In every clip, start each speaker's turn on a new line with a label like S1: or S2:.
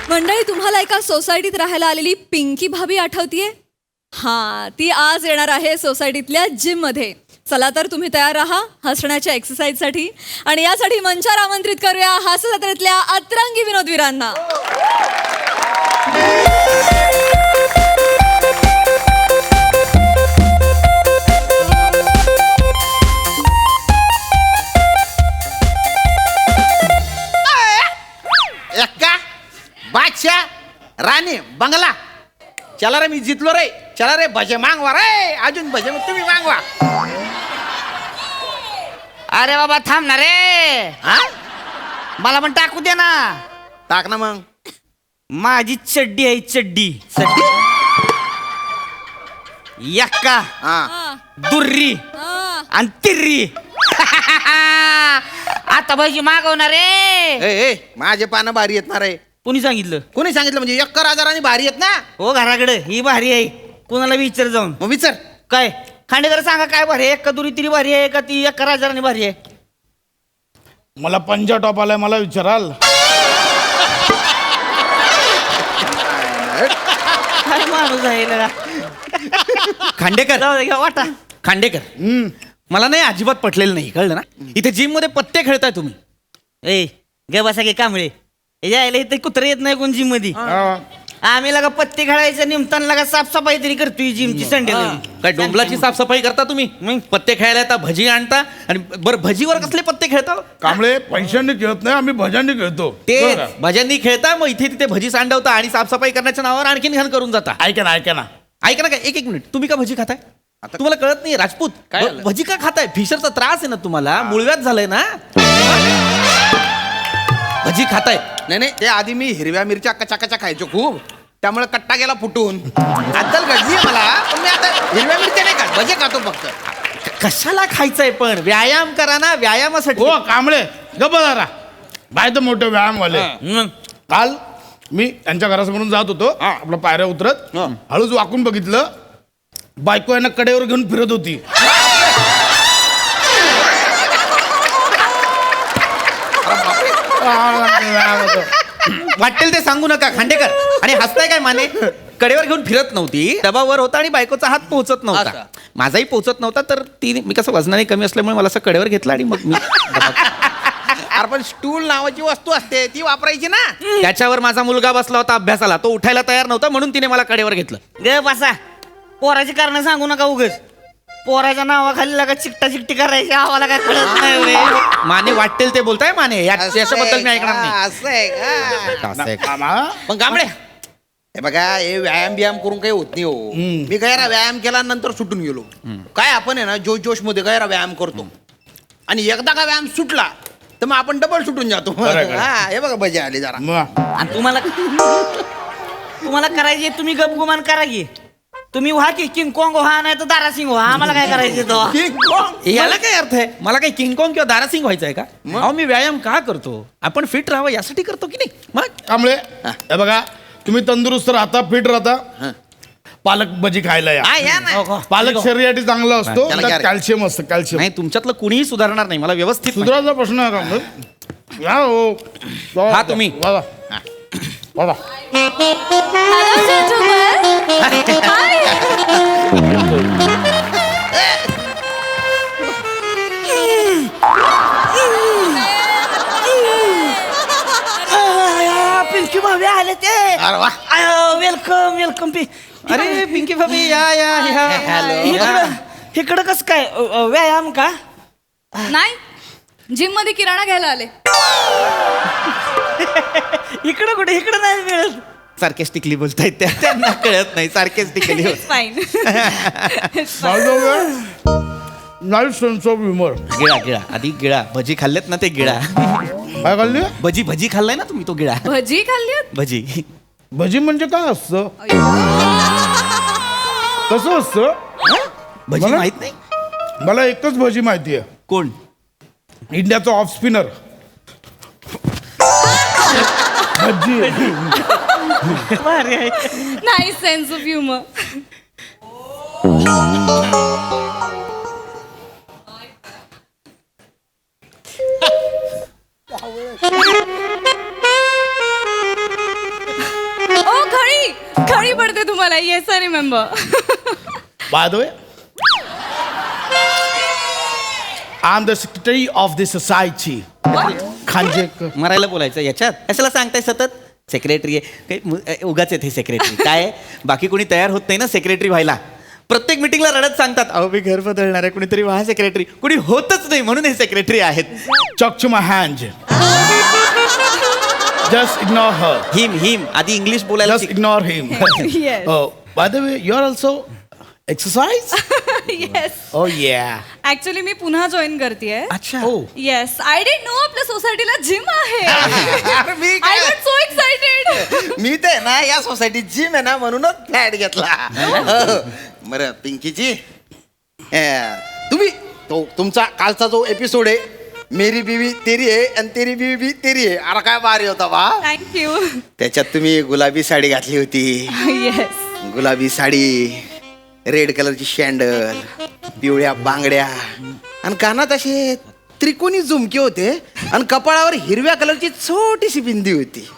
S1: मंडळी, तुम्हाला एका सोसायटीत राहायला आलेली पिंकी भाभी आठवतीये? हा, ती आज येणार आहे सोसायटीतल्या जिम मध्ये. चला तर तुम्ही तयार राहा हसण्याच्या एक्सरसाइज साठी. आणि यासाठी मंचावर आमंत्रित करूया हास्य जत्रेतल्या अतरंगी विनोदवीरांना.
S2: बादशाह राणी बंगला. चला रे, मी जितलो रे. चला रे, भजे मागवा रे. अजून भजे तुम्ही मागवा.
S3: अरे बाबा थांब ना रे.
S2: हा,
S3: मला पण टाकू दे ना.
S2: टाक ना मग.
S3: माझी चड्डी आहे चड्डी.
S2: चड्डी.
S3: यक्का
S2: हा,
S3: दुर्री आणि तिर्री. आता भाजी मागवणार रे.
S2: ए माझे पानं भारी येत ना रे.
S3: कोणी सांगितलं?
S2: कोणी सांगितलं? म्हणजे 11,000 आणि भारी येत ना.
S3: हो घराकडे ही भारी आहे. कोणाला विचार जाऊन.
S2: मग विचार.
S3: काय खांडेकर सांगा काय भारी आहे? एका दुरी तिरी भारी आहे का ती 11,000 भारी आहे?
S4: मला पंजा टॉप आलाय, मला विचाराल.
S3: काय माणूस आहे लगा.
S5: खांडेकर
S3: जाऊ दे, घ्या वाटा.
S5: खांडेकर मला नाही अजिबात पटलेलं नाही, कळलं ना. इथे जिम मध्ये पत्ते खेळताय तुम्ही.
S3: ए गे बसा गे कांबळे. यायला इथे कुत्रे येत नाही कोण जिम मध्ये. आम्ही लगा पत्ते खेळायचं निमताना लगा साफसफाई तरी करतोय जिमची संडे.
S5: काय डोंबलाची साफसफाई करता तुम्ही? मग पत्ते खेळायला येता, भजी आणता. आणि बरं, भजीवर कसले पत्ते खेळता?
S4: कांबळे पैशांनी खेळत नाही, आम्ही भजांनी खेळतो.
S5: ते
S4: बरं का?
S5: भज्यांनी खेळता, मग इथे तिथे भजी सांडवता आणि साफसफाई करण्याच्या नावावर आणखीन घाण करून जाता.
S4: ऐका ना ऐका ना.
S5: ऐका ना, काय एक मिनिट, तुम्ही का भजी खाताय? तुम्हाला कळत नाही राजपूत?
S2: काय झालं?
S5: भजी का खाताय? फिशरचा त्रास आहे ना तुम्हाला, मुळव्यात झालंय ना. भजी खाताय?
S2: नाही, ते आधी मी हिरव्या मिरच्या कचा खायचो खूप, त्यामुळे कट्टा गेला फुटून. अद्दल घडली मला. पण मी आता हिरव्या मिरच्या नाही खात, भजे खातो फक्त.
S5: कशाला खायचंय पण? व्यायाम करा ना, व्यायामासाठी.
S4: हो कांबळे गप्प जरा. बाय तर मोठे व्यायामवाले. काल मी त्यांच्या घरासमोरून जात होतो, आपलं पायऱ्या उतरत हळूच वाकून बघितलं, बायको यांना कडेवर घेऊन फिरत होती.
S5: वाटेल ते सांगू नका खांडेकर. आणि हसताय काय माने? कडेवर घेऊन फिरत नव्हती, डबावर होता आणि बायकोचा हात पोहोचत नव्हता.
S2: असं.
S5: माझाही पोहोचत नव्हता, तर ती मी कसं वजनाने कमी असल्यामुळे मला असं कडेवर घेतलं आणि मग मी
S2: अरे पण स्टूल नावाची वस्तू असते, ती वापरायची ना.
S5: त्याच्यावर माझा मुलगा बसला होता अभ्यासाला, तो उठायला तयार नव्हता म्हणून तिने मला कडेवर घेतलं.
S3: गे बसा. पोराची कारण सांगू नका उगच. पोराच्या नावाखाली लगा चिकटा चिकटी करायची आम्हाला काय कळत नाही रे.
S5: माने वाटेल ते बोलताय माने, याच्याबद्दल मी ऐकणार नाही.
S2: असं आहे का?
S5: असं आहे का?
S4: कामा
S2: पण गांबडे, हे बघा, हे व्यायाम बियाम करून काही होत नाही हो. मी गैरा व्यायाम केला नंतर सुटून गेलो. काय आपण आहे ना जोश मध्ये गैरा व्यायाम करतो, आणि एकदा का व्यायाम सुटला तर मग आपण डबल सुटून जातो.
S4: खरं.
S2: हा, हे बघा भजी आली जरा.
S4: मग
S3: आणि तुम्हाला करायचे तुम्ही गपगुमान करा की. तुम्ही व्हा की किंग कॉंग व्हा, नाही तर दारासिंग व्हा. आम्हाला काय करायचं तो?
S5: याला काय अर्थ आहे? मला काही किंगकॉंग किंवा दारासिंग व्हायचं आहे का? अहो, मी व्यायाम का करतो? आपण फिट राहावं यासाठी करतो की नाही? मग
S4: कांबळे हे बघा, तुम्ही तंदुरुस्त राहता, फिट राहता, पालक भजी खायला या.
S2: हा, या ना.
S4: पालक शरीरासाठी चांगला असतो,
S2: त्याला
S4: त्यात
S2: काय रे?
S4: कॅल्शियम असतं. कॅल्शियम
S5: नाही, तुमच्यातलं कुणीही सुधारणार नाही. मला व्यवस्थित माहिती.
S4: सुधारायचा प्रश्न आहे कांबळे. या हो.
S5: हा, तुम्ही.
S4: वा वा.
S1: Hello, gentlemen. Hi.
S3: पिंकी भाभी आले ते.
S2: अरे वा.
S3: Welcome welcome.
S5: अरे पिंकी भाभी, या.
S3: इकडं कस काय व्यायाम का?
S1: नाही, जिम मध्ये किराणा घ्यायला आले.
S3: इकडं कुठे? इकडं नाही मिळत.
S5: सार्केस्टिकली बोलतायत त्या, त्यांना कळत नाही. Sarcastically
S1: fine.
S4: Night sense of humour.
S5: गिळा आधी गिळा. भजी खाल्लेत ना, ते गिळा.
S4: काय खाल्ली?
S5: भजी खाल्लाय ना तुम्ही, तो गिळा.
S1: भजी खाल्ली?
S5: भजी
S4: भजी म्हणजे काय असतं? कसं असतं?
S5: भजी
S4: मला-
S5: माहित नाही?
S4: मला एकच भजी माहिती आहे.
S5: कोण?
S4: इंडियाचा ऑफ स्पिनर भजी.
S3: भारी आहे.
S1: नाही, सेन्स ऑफ ह्युमर.
S6: आठवणी पडते तुम्हाला. Yes I remember.
S4: By the way, I am the secretary of the society. Khanjekar.
S5: मरायला बोलायचं याच्यात कशाला सांगताय सतत सेक्रेटरी आहे उगाच आहेत हे सेक्रेटरी. काय आहे, बाकी कोणी तयार होत नाही ना सेक्रेटरी व्हायला. प्रत्येक मिटिंगला रडत सांगतात अहो मी घर बदलणार आहे, कुणीतरी व्हा सेक्रेटरी. कुणी होतच नाही म्हणून हे सेक्रेटरी आहेत.
S4: Talk to my hand. Just ignore her.
S5: हिम आधी इंग्लिश बोलायला
S4: Just
S5: शिक.
S4: ignore him.
S6: Yes.
S4: Oh, by the way, you're also exercise?
S6: Yes.
S4: Oh yeah.
S6: Actually मी पुन्हा जॉईन करतेय.
S5: अच्छा
S4: Oh.
S6: Yes, I didn't know आपल्या सोसायटीला जिम आहे.
S2: अरे मी
S6: आय
S2: काय-
S6: वॉज सो एक्साइटेड.
S2: मी ते ना या सोसायटीत जिम आहे ना म्हणूनच फ्लॅट घेतला. हो. बरं पिंकीजी, तुम्ही तुमचा कालचा जो एपिसोड आहे मेरी बीवी तेरी आहे आणि तेरी बीवी भी तेरी आहे, अरे काय भारी होता बा.
S6: थँक्यू.
S2: त्याच्यात तुम्ही गुलाबी साडी घातली होती.
S6: येस.
S2: गुलाबी साडी, रेड कलरची शँडल, पिवळ्या बांगड्या आणि कानात असे त्रिकोणी झुमके होते आणि कपाळावर हिरव्या कलरची छोटीशी बिंदी होती.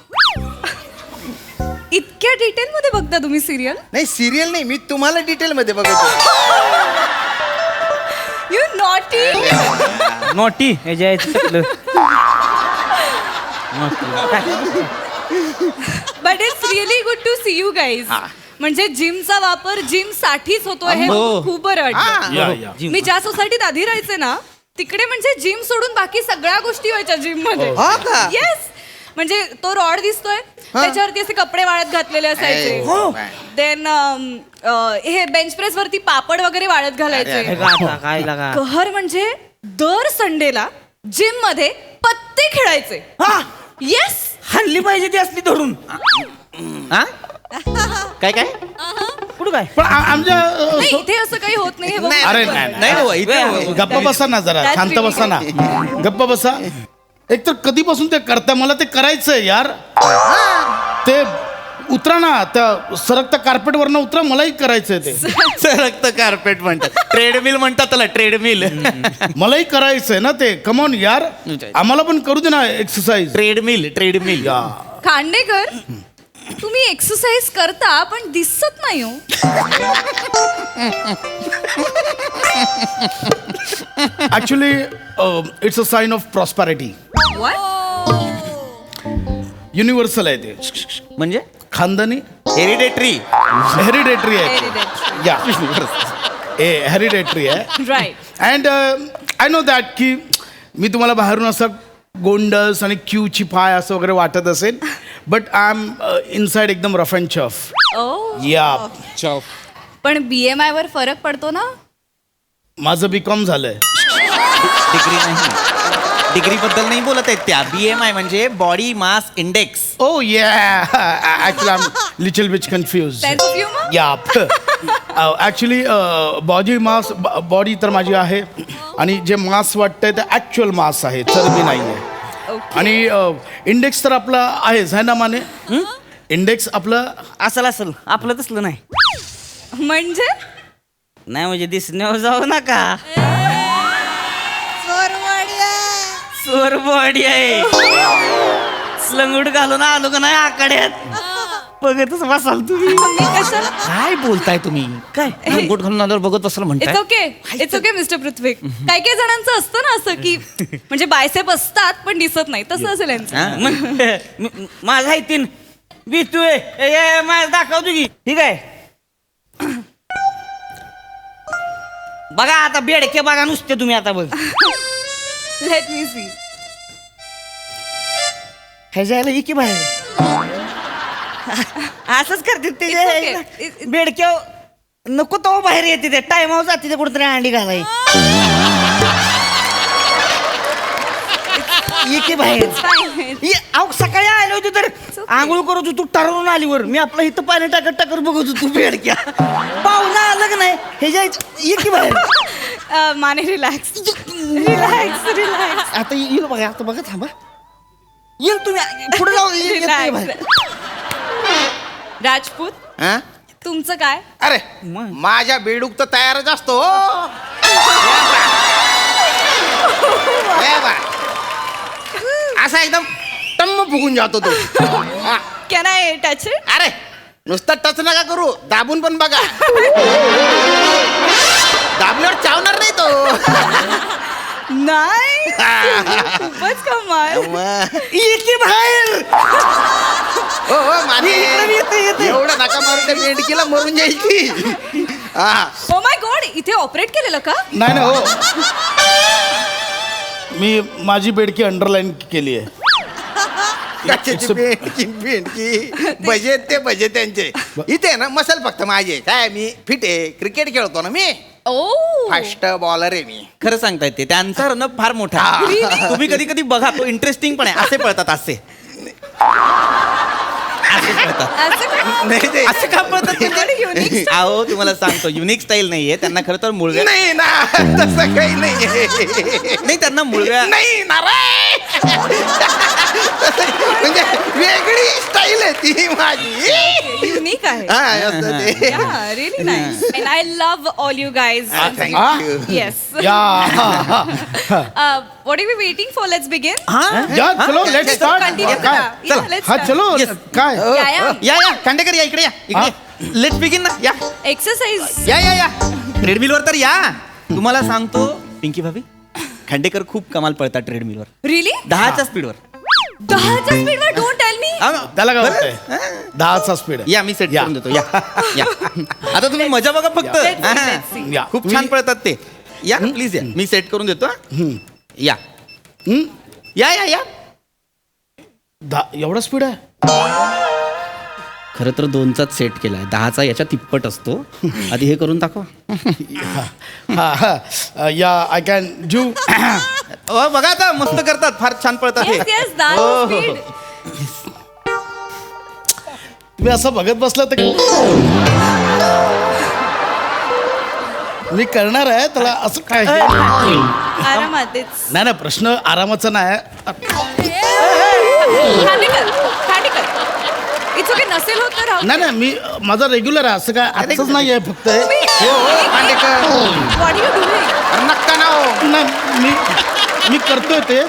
S6: इतक्या डिटेल मध्ये बघता तुम्ही सिरियल?
S2: नाही सिरियल नाही, मी तुम्हाला डिटेल मध्ये बघतो.
S6: You naughty.
S3: नोटी हे जे आहे ते चुकलं.
S6: But it's really good to see you guys. म्हणजे जिमचा वापर जिम साठीच होतोय हे
S5: हो.
S6: खूप बरं वाटतं.
S4: Yeah, yeah.
S3: जिम.
S6: मी ज्या सोसायटीत आधी राहायचे ना तिकडे म्हणजे जिम सोडून बाकी सगळ्या गोष्टी व्हायच्या जिम मध्ये.
S2: हा का?
S6: येस. म्हणजे तो रॉड दिसतोय त्याच्यावरती असे कपडे वाळत घातलेले असायचे.
S2: हो.
S6: देन हे बेंच प्रेस वरती पापड वगैरे वाळत घालायचे.
S3: हे गाता, काय लागा.
S6: कहर म्हणजे दर संडेला जिम मध्ये पत्ते खेळायचे. येस.
S3: हल्ली पाहिजे ती असली धरून.
S5: हा काय काय
S3: कुठं काय
S4: पण आमच्या
S6: नाही इथे असं काही होत नाही हे बघ.
S4: अरे नाही,
S5: नाही हो, इथे
S4: गप्प बसा ना जरा,
S6: That's
S4: शांत
S6: really
S4: बसा ना, गप्प बसा. एक तर कधीपासून ते करता, मला ते करायचंय यार. ते उतरा ना, त्या सरकत्या कार्पेट वरनं उतरा, मलाही करायचंय ते.
S5: सरकत कार्पेट म्हणतात, ट्रेडमिल म्हणतात त्याला, ट्रेडमिल.
S4: मलाही करायचंय ना ते. कमॉन यार, आम्हाला पण करू दे ना एक्सरसाइज.
S5: ट्रेडमिल
S4: या
S6: खांडेकर तुम्ही एक्सरसाइज करता पण दिसत नाही हो.
S4: Actually it's a sign of prosperity. Universal आहे ते,
S5: म्हणजे
S4: खानदानी,
S5: हेरिडेटरी.
S4: हेरिडेटरी आहे. या हेरिडेटरी आहे.
S6: Right.
S4: And I know that की मी तुम्हाला बाहेरून असं गोंडस आणि क्यूची पाय असं वगैरे वाटत असेल, बट आय एम इनसाइड एकदम रफ अँड चफ. या
S6: पण BMI वर फरक पडतो ना.
S4: माझं BCom झालंय.
S5: डिग्री नाही, डिग्री बद्दल नाही बोलत आहेत त्या. BMI म्हणजे body mass index.
S4: Oh yeah, actually I'm little bit confused.
S6: Sense of humor?
S4: Yeah. Actually body तर माझी आहे आणि जे मास वाटतंय ते ॲक्च्युअल मास आहे, चरबी नाही आहे. आणि इंडेक्स तर आपला आहेच आहे ना माने. इंडेक्स आपलं
S3: असल आपलं तसलं नाही.
S6: म्हणजे
S3: नाही म्हणजे दिसण्यावर जाऊ नका. चोर बॉडी आहे. लंगूट घालून आलो का नाही आकड्यात बघतच बसाल तुम्ही.
S6: मी कशाला.
S5: काय बोलताय तुम्ही? काय लंगोट घालून आल्यावर बघत बसलं म्हणताय?
S6: It's okay mister Prithvi. काही काही जणांचं असतं ना असं की म्हणजे बायसेप असतात पण दिसत नाही, तसं असेल यांचं.
S5: हा?
S3: मग माझा आहे तीन बितू आहे माझं दाखवतो की. ठीक आहे बघा आता बेडके बघा नुसते तुम्ही आता बघ.
S6: Let me see.
S3: हे जायला इकी बाहेर असंच करते ते
S6: It's okay.
S3: बेडक्या नको तो बाहेर येते ते टायमावर जाते ते कुठेतरी अंडी घालाय. इके बाहेर अहो सकाळी आलो होतो तर आंघोळ करत होतो, टरवून आलीवर मी आपलं इथं पाणी टाकत बघत होतो बेडक्या. पाहुणा आलं का नाही हे जायचं इके बाहेर.
S6: Mane relax relax relax.
S3: आता येईल बघा, आता बघा थांबा येईल तुम्ही पुढे जाऊ.
S6: रिलॅक्स. राजपूत
S2: हा?
S6: तुमचं काय.
S2: अरे माझ्या बेडूक तर तयारच असतो. असा एकदम टम्म फुगून जातो तो. हा.
S6: Can I touch it.
S2: अरे नुसतं टच नका करू, दाबून पण बघा. दाबल्यावर चावणार नाही तो.
S6: नाही खूपच कमाल.
S3: येते बाहेर.
S2: हो हो माने,
S3: येते.
S2: एवढं नका मारून त्या मेंढकीला मरून जाईल ती. हा
S6: ओ माय गॉड, इथे ऑपरेट केलेलं का?
S4: नाही ना हो, मी माझी बेडकी अंडरलाईन केली आहे.
S2: कशाची बेंडकी बजेट ते बजेट त्यांचे. इथे ना मसल फक्त माझे. काय मी फिट आहे, क्रिकेट खेळतो ना मी,
S6: ओ
S2: फास्ट बॉलर आहे मी.
S5: खरं सांगता येते त्यांचा रनअप फार मोठा आहे. तुम्ही कधी कधी बघा, तो इंटरेस्टिंग पण आहे. असे पळतात असे पळतात.
S6: असं का?
S2: नाही ते
S5: असे का पळतात
S6: unique
S5: अहो तुम्हाला सांगतो, युनिक स्टाईल नाहीये त्यांना. खरं तर मुळव्या
S2: नाही ना, तसं काही नाही.
S5: नाही, त्यांना मुळव्या
S2: नाही ना रे. म्हणजे वेगळी स्टाईल आहे ती माझी.
S6: युनिक आहे.
S2: हा असं ते.
S6: Yeah, really nice. And I love all you guys.
S2: Thank you.
S6: Yes.
S4: या
S6: What are we waiting for? Let's begin.
S4: या चलो लेट्स स्टार्ट.
S6: Continue
S4: काय
S6: करा. Yeah, let's
S4: हा
S6: start.
S4: चलो काय
S6: Yeah.
S5: या या खांडेकर या इकडे या इकडे. लेट्स बिगिन ना. या
S6: Exercise.
S5: या ट्रेडमिलवर तर या. तुम्हाला सांगतो पिंकी भाभी, खांडेकर खूप कमाल पळतात ट्रेडमिलवर.
S6: Really?
S5: 10च्या स्पीडवर.
S6: 10च्या स्पीडवर. Don't tell me.
S4: त्याला काय वाटतंय? 10चा स्पीड आहे.
S5: या मी सेट
S4: या.
S5: करून देतो. या या आता तुम्ही मजा बघा फक्त.
S6: Let's see,
S5: हा.
S6: let's see.
S4: या.
S5: खूप छान पळतात ते. या प्लीज या, मी सेट करून देतो. हा. या या या या
S4: एवढा स्पीड आहे?
S5: खरं तर 2चाच सेट केलाय, 10चा याच्या तिप्पट असतो. आधी हे करून दाखवा.
S4: या आय कॅन डू.
S5: बघा आता मस्त करतात, फार छान पळतात हे.
S6: Yes, yes, that's
S5: हो, हो, हो.
S6: speed.
S4: तुम्ही असं बघत बसलं तर मी करणार आहे त्याला असं काय.
S6: आरामात. It's
S4: नाही प्रश्न आरामाचा नाही.
S6: खांडेकर. It's okay. नसेल होत तर राहू.
S4: नाही मी माझा रेग्युलर आहे, असं काय आजच नाही आहे फक्त.
S2: Khandekar
S6: What are you doing?
S2: नक्का ना हो.
S4: नाही मी करतोय ते.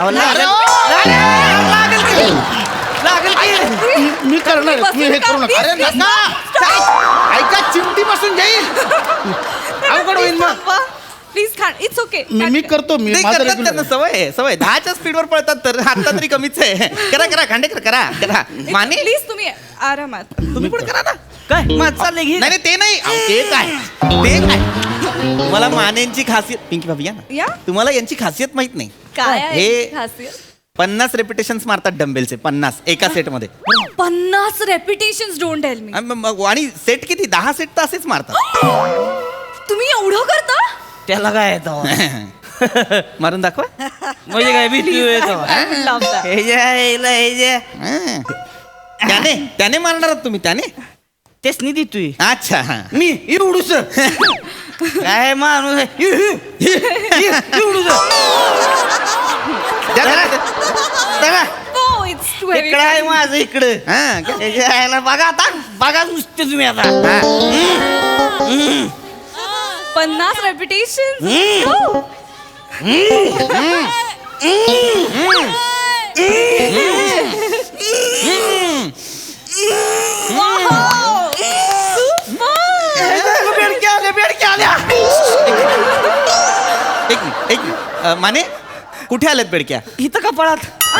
S4: मी करणार आहे, तुम्ही हे करू नका.
S2: अरे नका, ऐका चिमटी बसून जाईल. अवघड होईल मग.
S6: प्लीज खांड. It's okay.
S4: मी करतो. मी
S5: नाही,
S4: माझं
S5: करतात
S4: रेग्युलर
S5: त्यांना सवय आहे, सवय. 10च्या स्पीडवर पळतात तर आता तरी कमीच आहे. करा खांडेकर करा. माने
S6: प्लीज तुम्ही आरामात.
S5: तुम्ही पण करा ना.
S3: काय माझ चाललंय घे.
S5: नाही ते नाही. अहो, ते काय तुम्हाला मानेंची खासियत. पिंकी भाभी या ना.
S6: या.
S5: तुम्हाला यांची खासियत माहित नाही.
S6: काय आहे
S5: हे-
S6: खासियत?
S5: 50 रेपिटेशन्स मारतात डंबेलचे. 50 एका सेटमध्ये.
S6: 50 रेपिटेशन्स. Don't tell me.
S5: आणि सेट किती? 10 सेट तर असेच मारतात.
S6: तुम्ही एवढं करता?
S3: त्याला काय येतं
S5: मारून दाखवा.
S3: म्हणजे काय भीती येतो.
S6: Love that.
S5: त्याने मारणार आहात तुम्ही? त्याने
S3: तेच नाही देतोय
S5: अच्छा.
S3: मी एवढूच. काय माणूस आहे. एवढूच.
S6: Oh, it's too heavy.
S3: इकडं आहे माझं इकडं. त्याच्या आईला बघा आता. बघा नुसते तुम्ही आता.
S6: 50 रेपिटेशन.
S3: बेडक्या आल्या.
S5: एक मिनिट. माने कुठे आलेत बेडक्या?
S3: इथं कपाळात.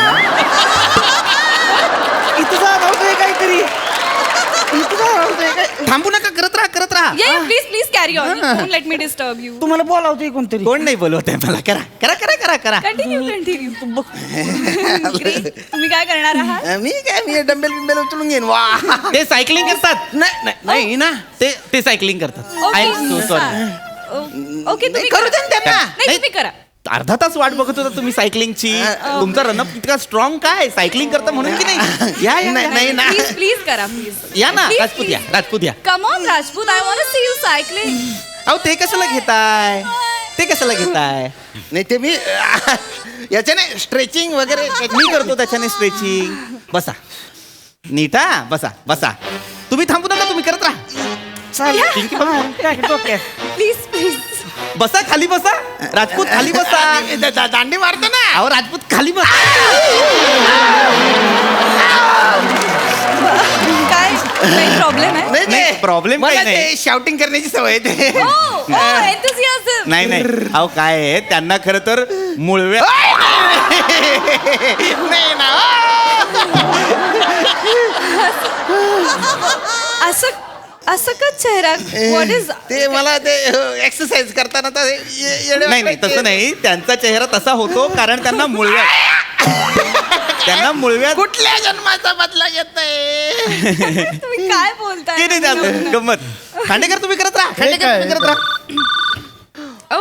S3: इथं जाणवतोय काहीतरी. इथं जाणवतोय काय.
S5: थांबू नका, करत राहा.
S6: Please carry on. Don't let me disturb you.
S3: तुम्हाला बोलावतोय कोणतरी.
S5: कोण नाही बोलवत आहे मला. करा.
S6: कंटिन्यू. तुम्ही काय करणार आहात?
S2: मी डंबेल बिंबेल उचलून घेईन. वा
S5: ते सायकलिंग करतात.
S2: नाही ना.
S5: ते सायकलिंग करतात. I am so sorry.
S6: Okay तुम्ही
S2: करू दे ना त्यांना.
S6: नाही तुम्ही करा.
S5: अर्धा तास वाट बघत होता तुम्ही सायकलिंगची. तुमचा रनअप इतका स्ट्रॉंग काय? सायकलिंग करता म्हणून की नाही? या
S2: नाही ना.
S6: प्लीज करा प्लीज.
S5: या ना. राजपूत या.
S6: Come on Rajput. I want to see you cycling.
S5: अहो ते कशाला घेताय?
S2: नाही ते मी याच्याने स्ट्रेचिंग वगैरे
S5: मी करतो त्याच्याने स्ट्रेचिंग. बसा नीटा. बसा तुम्ही थांबू नका, तुम्ही करत राहा.
S6: प्लीज.
S5: बसा खाली बसा. राजपूत खाली बसा.
S2: दांडी मारतो ना.
S5: अहो राजपूत खाली बसा.
S6: काय काही प्रॉब्लेम आहे
S5: नाही, problem काही
S2: मला
S5: नाही.
S2: ते शाउटिंग करण्याची सवय आहे ते.
S6: enthusiasm.
S5: नाही नाही अहो काय आहे त्यांना खरं तर मुळव्या
S2: नाही ना
S6: असं का चेहरा व्हॉट इज
S2: ते मला ते एक्सरसाइज करताना तर
S5: नाही नाही तसं नाही त्यांचा चेहरा तसा होतो कारण त्यांना मुळव्या
S2: कुठल्या जन्माचा बदला घेत
S6: तुम्ही काय बोलताय
S5: ते नाही त्यात गंमत खांडेकर तुम्ही करत राहा खांडेकर तुम्ही करत राहा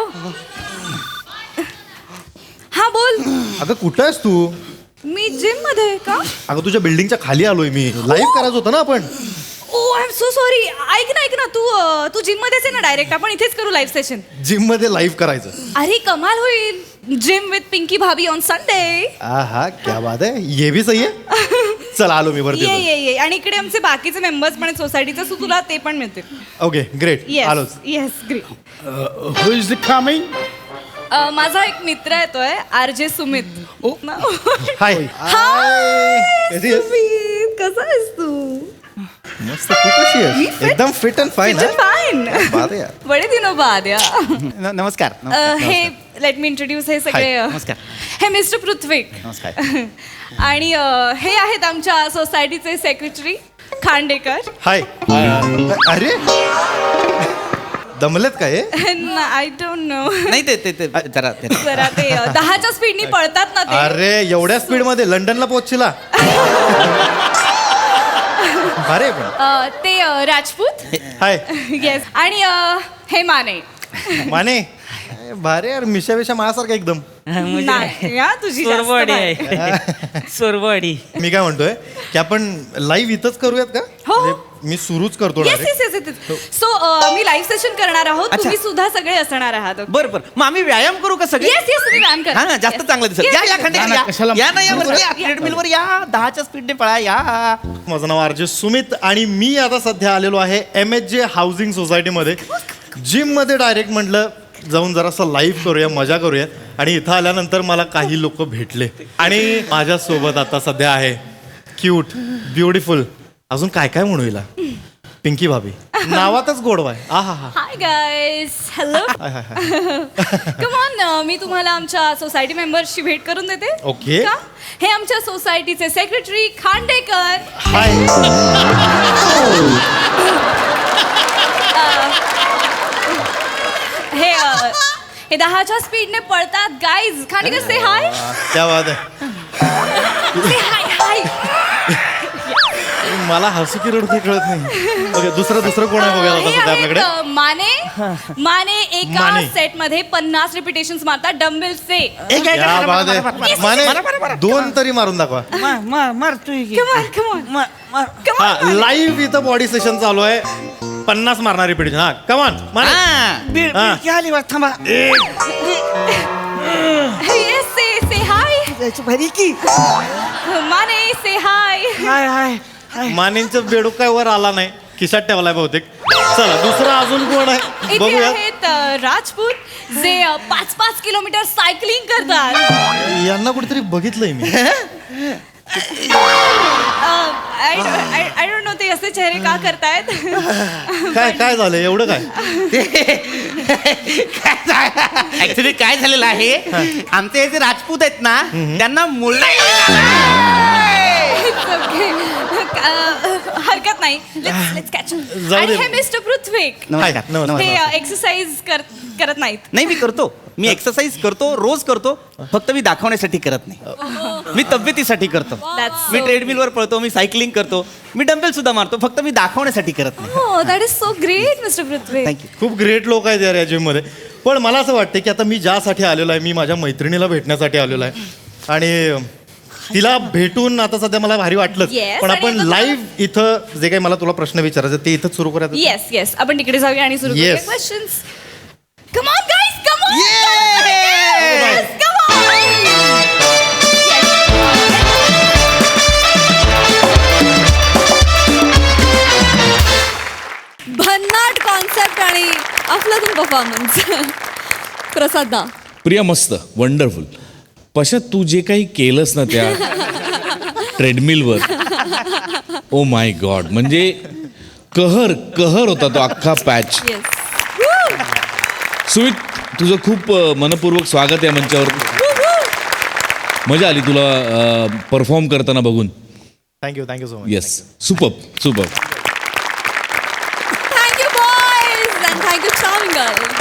S6: हा बोल
S7: अगं कुठं आहेस तू
S6: मी जिम मध्ये आहे का
S7: अगं तुझ्या बिल्डिंगच्या खाली आलोय मी लाईव्ह करायचं होतं ना आपण
S6: oh I am so sorry ऐक ना तू जिम मध्येच आहे ना डायरेक्ट आपण इथेच करू लाईव्ह सेशन
S7: जिम मध्ये लाईव्ह करायचं
S6: अरे कमाल होईल जिम विथ पिंकी भाभी ऑन संडे
S7: हा क्या बात आहे ये भी सही आहे चल आलो मी वरती
S6: ये आणि इकडे आमचे बाकीचे मेंबर्स पण सोसायटीचे सो तुला ते पण मिळतील
S7: ओके ग्रेट आलोच
S6: yes great
S4: who is the coming
S6: माझा एक मित्र येतोय RJ सुमित
S7: हाय कशी आहेस?
S6: सुमित कसा आहेस तू
S7: मस्त तू कशी आहेस एकदम फिट अँड फाईन
S6: फाईन
S7: बात आहे यार.
S6: बडे दिनो बाद या
S5: नमस्कार
S6: हे लेट मी इंट्रोड्यूस हे सगळे
S5: नमस्कार.
S6: हे मिस्टर पृथ्वीक
S5: नमस्कार.
S6: आणि हे आहेत आमच्या सोसायटीचे सेक्रेटरी खांडेकर
S7: हाय अरे दमलेत काय
S6: आय डोंट नो
S5: नाही ते जरा
S6: जरा ते 10च्या स्पीडनी पळतात ना ते
S7: अरे एवढ्या स्पीड मध्ये लंडनला पोहोचला अरे पण
S6: ते राजपूत
S7: हाय
S6: येस आणि हे माने
S7: माने भारे यार मिशा विशा माझ्यासारखा एकदम
S6: नाही हा, तुझी जास्त
S3: सोरवाडी
S6: बाई.
S3: आहे सोरवाडी
S7: मी काय म्हणतोय की आपण लाईव्ह इथंच करूयात का
S6: हो.
S7: म्हणजे मी सुरूच करतो
S6: yes
S7: direct.
S6: Yes yes so मी लाईव्ह सेशन करणार आहोत
S5: अच्छा.
S6: तुम्ही सुद्धा सगळे असणार आहात
S5: बरं मग आम्ही व्यायाम करू का सगळे
S6: येस येस तुम्ही व्यायाम करा
S5: हा ना जास्त चांगलं दिसत
S6: Yes,
S5: या
S6: yes,
S5: या
S6: yes.
S5: खांडेकर
S4: ना, कशाला-
S5: या ना या वरती या ट्रेडमिलवर या 10च्या स्पीडने पळा या
S7: माझं नाव RJ सुमित आणि मी आता सध्या आलेलो आहे MHJ हाऊसिंग सोसायटीमध्ये जिममध्ये डायरेक्ट म्हटलं जाऊन जरासं लाईव्ह करूया मजा करूया आणि इथं आल्यानंतर मला काही लोक भेटले आणि माझ्यासोबत आता सध्या आहे क्यूट ब्युटिफुल अजून काय काय म्हणू हिला पिंकी भाभी नावातच गोडवा आहे आहा हा
S6: hi guys hello come on मी तुम्हाला आमच्या सोसायटी मेंबर्सची भेट करून देते
S7: Okay.
S6: का? हे आमच्या सोसायटीचे सेक्रेटरी खांडेकर
S7: हाय
S6: हे 10च्या स्पीडने पळतात गाईज खांडेकर से हाय
S7: क्या बात आहे
S6: से हाय हाय
S7: मला हसू की रडू काही कळत नाही ओके दुसरं कोण आहे बघायला आता
S6: हे
S7: सध्या आपल्याकडे
S6: आहेत, माने एका
S7: माने.
S6: सेट मध्ये 50 रिपिटेशन्स मारतात डम्बेल्सचे
S7: क्या बात आहे माने 2 तरी मारून दाखवा
S3: मारतोय की.
S6: Come on, come on. Come on,
S7: हा
S6: माने.
S7: लाईव्ह इथं बॉडी सेशन चालू आहे 50 मारणारी पिढी हा कमान माने
S3: बीड
S7: हा.
S3: बीड आली वाट थांबा
S6: Yes, say hi.
S3: जायचं भारी की
S6: माने say hi.
S3: हाय हाय हाय
S7: मानेंचं बेडूक काय वर आला नाही खिशात ठेवलाय बहुतेक चला दुसरा अजून कोण आहे
S6: इथे
S7: बघूया
S6: आहेत राजपूत जे 5-5 किलोमीटर सायकलिंग करतात
S7: यांना कुठेतरी बघितलंय मी
S6: आय डोंट नो ते असे चेहरे का करतायत
S7: काय झालं एवढं काय
S5: ऍक्च्युली काय झालेलं आहे आमचे जे राजपूत आहेत ना त्यांना मुलं
S6: It's okay. हरकत नाही लेट्स कॅच
S7: जाऊ
S6: आणि
S7: दे.
S6: हे मिस्टर पृथ्वीक
S5: नमस्कार
S7: हाय, नमस्कार.
S6: हे एक्सरसाइज करत नाहीत
S5: नाही मी करतो मी एक्सरसाइज करतो रोज करतो फक्त मी दाखवण्यासाठी करत नाही मी तब्येतीसाठी करतो
S6: That's
S5: मी
S6: so
S5: ट्रेडमिलवर पळतो मी सायकलिंग करतो मी डंबेल सुद्धा मारतो फक्त मी दाखवण्यासाठी करत नाही
S6: हो that is so great mister Prithvi
S5: thank you
S7: खूप ग्रेट लोक आहेत यार या जिम मध्ये पण मला असं वाटतं की आता मी ज्यासाठी आलेलो आहे मी माझ्या मैत्रिणीला भेटण्यासाठी आलेलो आहे आणि तिला भेटून आता सध्या मला भारी वाटलंच
S6: Yes,
S7: पण
S6: आणि
S7: आपण
S6: आता
S7: लाईव्ह इथं जे काही मला तुला प्रश्न विचारायचे ते इथंच सुरू करायचं
S6: येस येस आपण तिकडे जाऊया आणि सुरू करूया
S7: Yes.
S6: Questions come on guys come on
S7: Yay!
S6: Come on
S1: भन्नाट कॉन्सेप्ट आणि अफलातून परफॉर्मन्स प्रसाद दा
S8: प्रिया मस्त वंडरफुल पशा तू जे काही केलंस ना त्या ट्रेडमिलवर ओ माय गॉड म्हणजे कहर होता तो अख्खा पॅच.
S1: येस
S8: सुमित तुझं खूप मनपूर्वक स्वागत आहे मंचावर. मजा आली तुला परफॉर्म करताना बघून.
S7: Thank you so much.
S8: Yes super.
S1: Thank you boys and thank you charming girl.